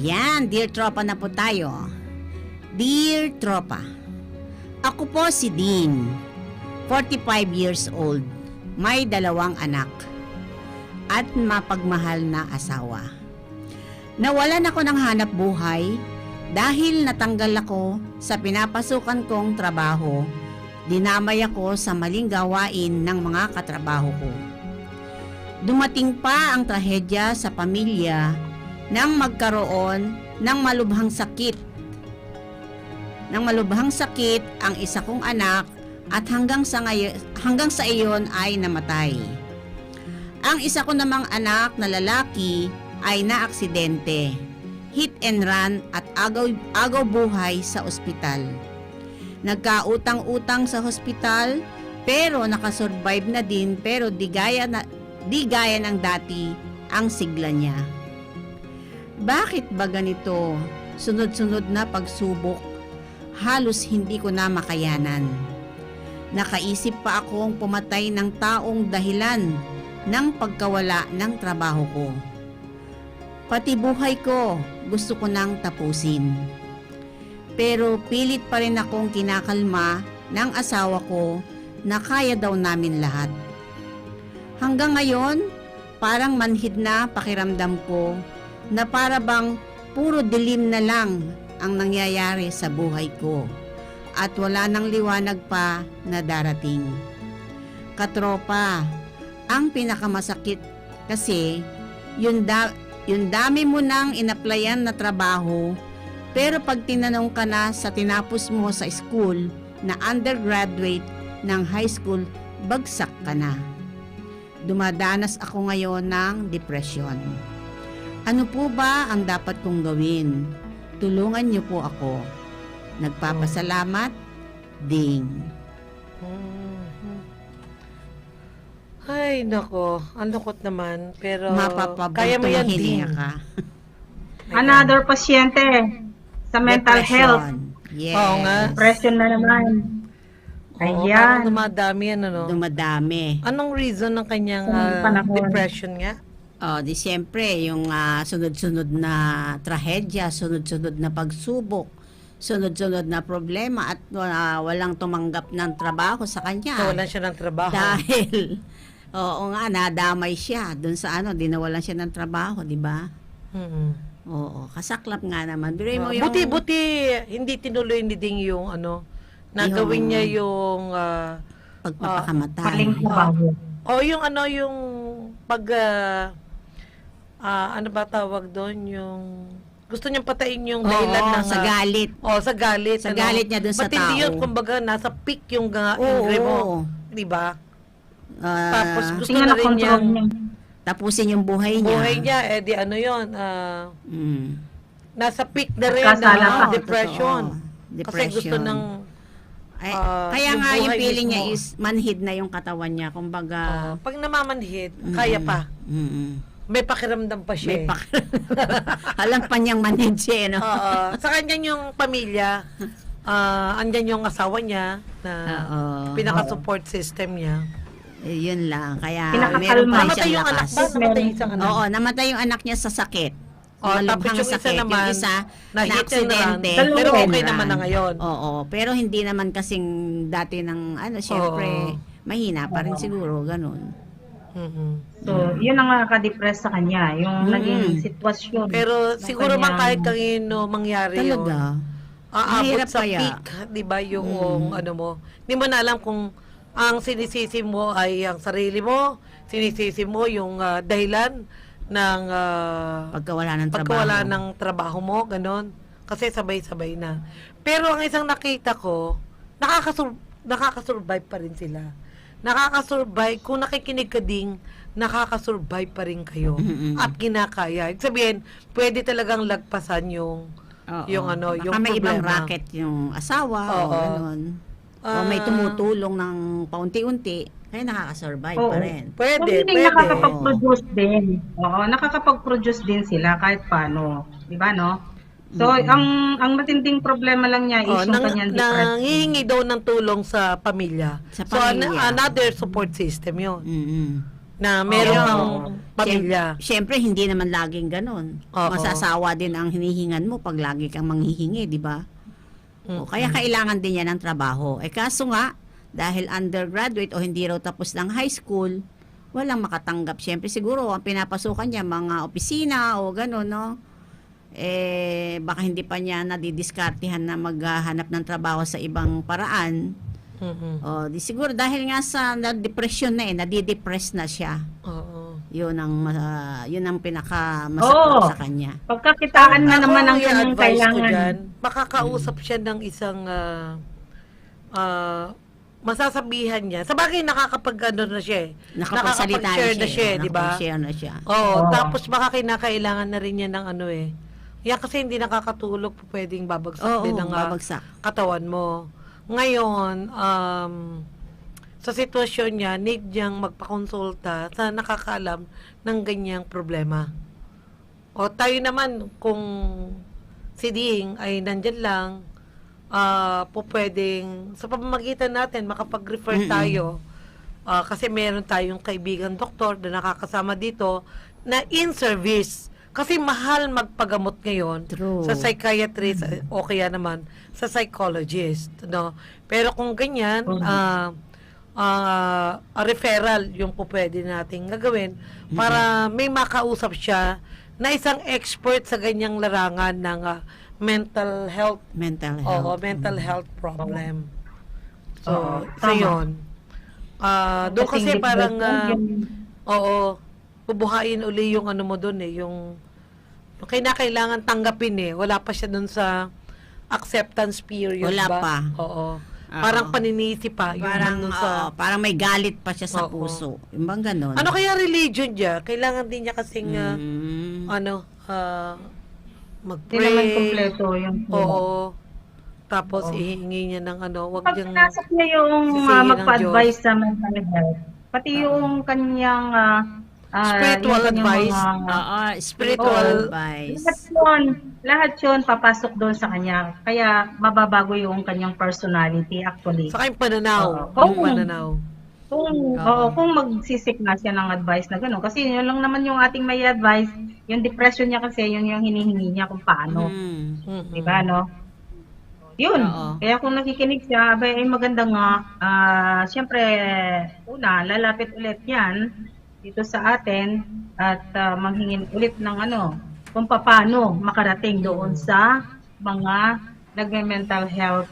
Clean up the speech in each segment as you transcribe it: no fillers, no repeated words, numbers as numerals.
Yan, dear tropa na po tayo. Dear tropa, ako po si Dean, 45 years old, may 2 anak, at mapagmahal na asawa. Nawalan ako ng hanap buhay dahil natanggal ako sa pinapasukan kong trabaho. Dinamay ako sa maling gawain ng mga katrabaho ko. Dumating pa ang trahedya sa pamilya nang magkaroon ng malubhang sakit. Nang malubhang sakit ang isa kong anak at hanggang sa iyon ay namatay. Ang isa ko namang anak na lalaki ay naaksidente, hit and run at agaw buhay sa ospital. Nagkautang-utang sa hospital pero nakasurvive na din, pero di gaya ng dati ang sigla niya. Bakit ba ganito? Sunod-sunod na pagsubok, halos hindi ko na makayanan. Nakaisip pa akong pumatay ng taong dahilan ng pagkawala ng trabaho ko. Pati buhay ko gusto ko nang tapusin. Pero pilit pa rin akong kinakalma ng asawa ko na kaya daw namin lahat. Hanggang ngayon, parang manhid na pakiramdam ko na para bang puro dilim na lang ang nangyayari sa buhay ko at wala nang liwanag pa na darating. Katropa, ang pinakamasakit kasi yung dami mo nang inaplayan na trabaho, pero pag tinanong ka na sa tinapos mo sa school na undergraduate ng high school, bagsak ka na. Dumadanas ako ngayon ng depression. Ano po ba ang dapat kong gawin? Tulungan niyo po ako. Nagpapasalamat, Ding. Ay, nako. Ang lungkot naman. Pero kaya mo yan, Ding. Ka. Another pasyente sa mental health. Yes. Oo nga. Depression na naman. Oo, Ayan. parang dumadami yan, ano? Dumadami. Anong reason ng kanyang Panahon. depression nga? Di siyempre, yung sunod-sunod na trahedya, sunod-sunod na pagsubok, sunod-sunod na problema at walang tumanggap ng trabaho sa kanya. So, wala siya ng trabaho. Dahil, oo nga, nadamay siya dun sa dinawalan siya ng trabaho, di ba? Oo, kasaklap nga naman. Pero mo yung... Buti, hindi tinuloy ni Ding yung nagawin niya yung pagpapakamatay. Maling trabaho. yung yung pag ano ba tawag doon, yung gusto niyang patayin yung dahilan ng sa galit. sa galit. Sa galit niya dun sa Ba't hindi tao. yun, kumbaga nasa peak yung ingre mo, di ba? Tapos gusto Tingnan na na rin control niyang niya. Tapusin yung buhay niya. buhay niya, di ano yun, nasa peak na rin Nagkasala ng pa. depression. Totoo. Kasi gusto ng kaya yung nga yung buhay feeling mismo. niya is manhid na yung katawan niya. Kumbaga, pag namamanhid, kaya pa. May pakiramdam pa siya. may alam pa niyang manhid siya, no? Sa kanya yung pamilya, andyan yung asawa niya na pinaka-support system niya. Yun lang. Kaya Pinakakalma. meron pa rin Namatay siyang yung anak lakas. ba? Namatay yung isang anak. Oo, namatay yung anak niya sa sakit. Tapos Malubhang yung isa sakit. naman, Yung isa na na hit and run. aksidente. Pero Hit and okay run. naman na ngayon. Oo, pero hindi naman kasing dati ng syempre, mahina pa rin siguro, ganun. So, yun ang nakaka-depress sa kanya. Yung naging sitwasyon. Pero ng siguro man kanyang- kahit kanino mangyari yun. Talaga. Aabot Mahirap sa kaya. peak, di ba, yung ano mo. Hindi mo na alam kung ang sinisisi mo ay ang sarili mo, sinisisi mo yung dahilan ng Pagkawala ng trabaho. pagkawala ng trabaho mo, ganon. Kasi sabay-sabay na. Pero ang isang nakita ko, nakakasurvive pa rin sila. Nakakasurvive, kung nakikinig ka ding, nakakasurvive pa rin kayo. At kinakaya. Ibig sabihin, pwede talagang lagpasan yung Oo. yung Baka may ibang problema. racket yung asawa o Oo. ganun. O may tumutulong ng paunti-unti, kaya nakakasurvive Oo. pa rin. Pwede, Hindi pwede. nakakapag-produce din. Oo, nakakapag-produce din sila kahit paano. Di ba, no? So, ang matinding problema lang niya is yung kanyang depression. Nangihingi daw ng tulong sa pamilya. Sa So, pamilya. another support system yun. Mm-mm. na meron Oo. kang pamilya. Siyempre, hindi naman laging ganun. Oo. Masasawa din ang hinihingan mo pag lagi kang manghihingi, di ba? O, kaya kailangan din yan ng trabaho. Kaso nga, dahil undergraduate o hindi raw tapos ng high school, walang makatanggap. Siyempre, siguro, ang pinapasukan niya, mga opisina o gano'n, no? Baka hindi pa niya nadidiskartihan na maghanap ng trabaho sa ibang paraan. O, di siguro dahil nga sa depression na nadidepress na siya. Oo. Yun ang pinaka masakit sa kanya. Pagkakitaan na Ako, naman ang yung kanyang advice ko kailangan. dyan, makakausap siya ng isang masasabihan niya. Sa bagay, nakakapag-ano na siya eh. Nakapagsalita Nakakapag-share na siya, di ba? Nakapag-share na siya. Oo, Oo. tapos baka kinakailangan na rin niya ng ano eh. Yan kasi hindi nakakatulog, pwedeng babagsak din ang babagsak. katawan mo. Ngayon, sa sitwasyon niya, need niyang magpakonsulta sa nakakaalam ng ganyang problema. O tayo naman, kung si Ding ay nandyan lang, pwedeng, sa pamamagitan natin, makapag-refer tayo. Kasi meron tayong kaibigan doktor na nakakasama dito na in-service. Kasi mahal magpagamot ngayon True. sa psychiatrist o kaya naman sa psychologist, no? Pero kung ganyan, a referral yung po pwede nating gagawin para may makausap siya na isang expert sa ganyang larangan ng mental health. Mental Oo, health. mental health problem. So, Oo, so tama. yun. Doon kasi Kasing parang, depression, oo, bubuhayin uli yung ano mo doon yung kailangan tanggapin wala pa siya doon sa acceptance period Wala ba? pa. Oo. Parang paninisi pa. Yung Parang, nandun sa, parang may galit pa siya sa Oo. puso. Yung bang ganon? ano kaya religion niya? Kailangan din niya kasing, Mm. Hindi mag-pray. naman kompleto yung Oo. Tapos Oo. ihingi niya ng wag Pag niyang, pinasok niya yung sisihin ng magpa-advise sa mental health, pati yung kanyang spiritual yung kanyang advice. mga- spiritual advice. lahat yun papasok doon sa kanya. Kaya mababago yung kanyang personality actually. saka yung pananaw. Oo. Yung pananaw. Kung magsisik na siya ng advice na gano'n. Kasi yun lang naman yung ating may advice. Yung depression niya kasi, yun yung hinihingi niya kung paano. Mm-mm. Diba, no? Yun. Oo. Kaya kung nakikinig siya, abay, ay maganda nga. Siyempre, una, lalapit ulit yan dito sa atin at manghingin ulit ng kung paano makarating doon sa mga nagme-mental health,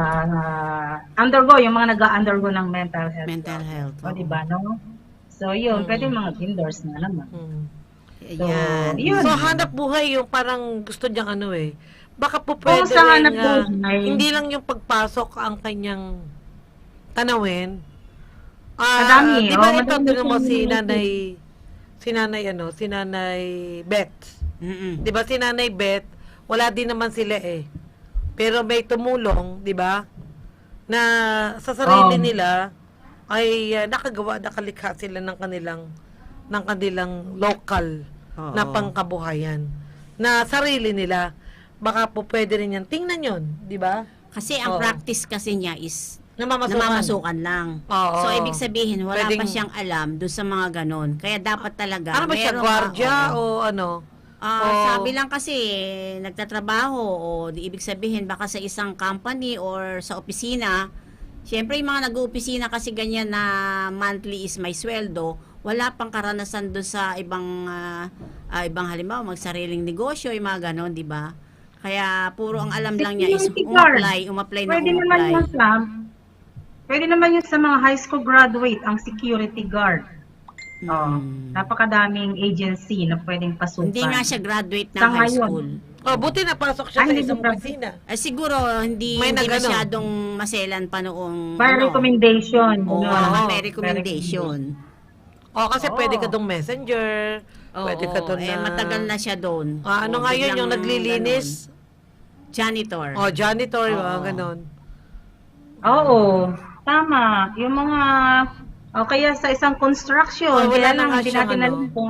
yung mga nag-undergo ng mental health. Mental health. O, diba, no? So, yun, pwede mga endorse na naman. Mm. Yan. Yun. So, hanap buhay yung parang gusto niyang baka po pwede sa hanap rin, buhay. hindi lang yung pagpasok ang kanyang tanawin. Madami, Di ba ito, madami tinan mo siyang- si nanay Beth. Mm-mm. Di ba si nanay Beth, wala din naman sila Pero may tumulong, di ba? Na sa sarili nila ay nakalikha sila ng kanilang local Oo. na pangkabuhayan. Na sarili nila. Baka po pwede rin yan. Tingnan yon, di ba? Kasi ang Oo. practice kasi niya is Namamasukan. namamasukan lang. Oo. So, ibig sabihin, wala pa Pwedeng- siyang alam doon sa mga ganon. Kaya dapat talaga, Ano ba siya? meron Gwardiya oo. o ano? Sabi lang kasi, nagtatrabaho o di ibig sabihin baka sa isang company or sa opisina. Siyempre, yung mga nag-uopisina kasi ganyan na monthly is may sweldo, wala pang karanasan doon sa ibang halimbawa, magsariling negosyo, yung mga ganon, di ba? Kaya puro ang alam lang niya is Security guard. umapply Pwede na naman umapply. yun pwede naman yun sa mga high school graduate, ang security guard. Napakadaming agency na pwedeng pasukan. Hindi nga siya graduate ng Sa high ngayon. school. Buti napasok siya sa Hindi isang ba- opisina. Siguro hindi May hindi nagano. masyadong maselan pa noong By recommendation. Oo, no? naman Oo. may recommendation. Kasi Oo. pwede ka dong messenger. Pwede ka doon na... matagal na siya doon. ano nga yun, yung naglilinis? Janitor. Janitor, Oo. mga ganon. Oo, tama. Yung mga, kaya sa isang construction, Wala kaya na lang, nga hindi siyang natin alam kung,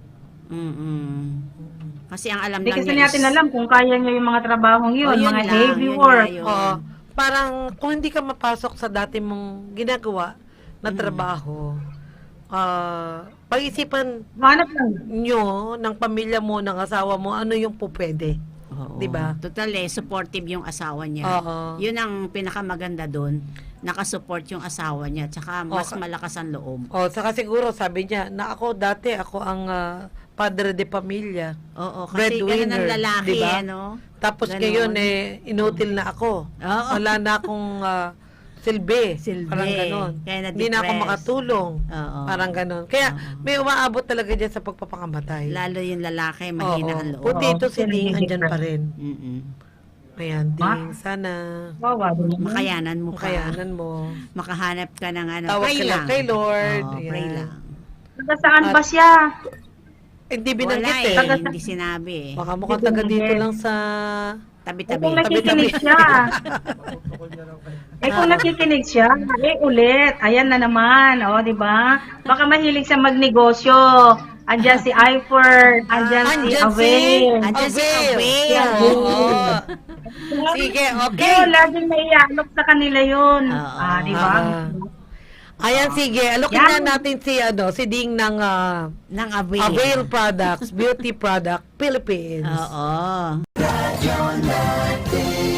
Kasi ang alam hindi lang kasi niya natin alam kung kaya niya yung mga trabahong yun, yun mga lang, heavy yun work. nga yun. Oo. Parang kung hindi ka mapasok sa dati mong ginagawa na trabaho, pag-isipan Hanap lang. nyo, ng pamilya mo, ng asawa mo, ano yung po pwede. Oo. Diba? Total supportive yung asawa niya. Oo. Yun ang pinakamaganda doon. Nakasupport yung asawa niya. Tsaka mas Okay. malakas ang loob. O, saka siguro, sabi niya, na ako dati, ako ang padre de pamilya. Oo, kasi ganun ang lalaki, diba? no? Tapos Ganon. ngayon, inutil na ako. Oo. Wala na akong silbi. Silbi. Parang ganon. Kaya Hindi na ako na-depress. makatulong. Oo. Parang ganon. Kaya, Oo. may umaabot talaga dyan sa pagpapakamatay. Lalo yung lalaki, mahina ang loob. Puti ito si Oo, Ding, andyan pa depressed. rin. Mm-mm. Ayan, Ding, sana Wawa din naman. Makayanan mo ka. makayanan mo. Makahanap ka ng ano. Tawag Pray ka lang lang. kay Lord. Oo, pray Ayan. lang. Taga saan At- ba siya? Hindi Wala binanggit eh, eh. hindi sinabi eh. Baka mukhang taga dito lang sa... Tabi-tabi. Kung nakikinig siya. Kung nakikinig siya, ulit. Ayan na naman, di ba? Baka mahilig siya magnegosyo. Andyan si Iford, andyan si Andyan si... Avail. Andyan si Avail. Avail. Oo. Sige, okay. Pero laging naialok sa kanila yun. Oo. Di ba? Ayan, sige. Alokin Yan. na natin si Ding ng Ng Avail. Avail Products, Beauty Product, Philippines. Oo.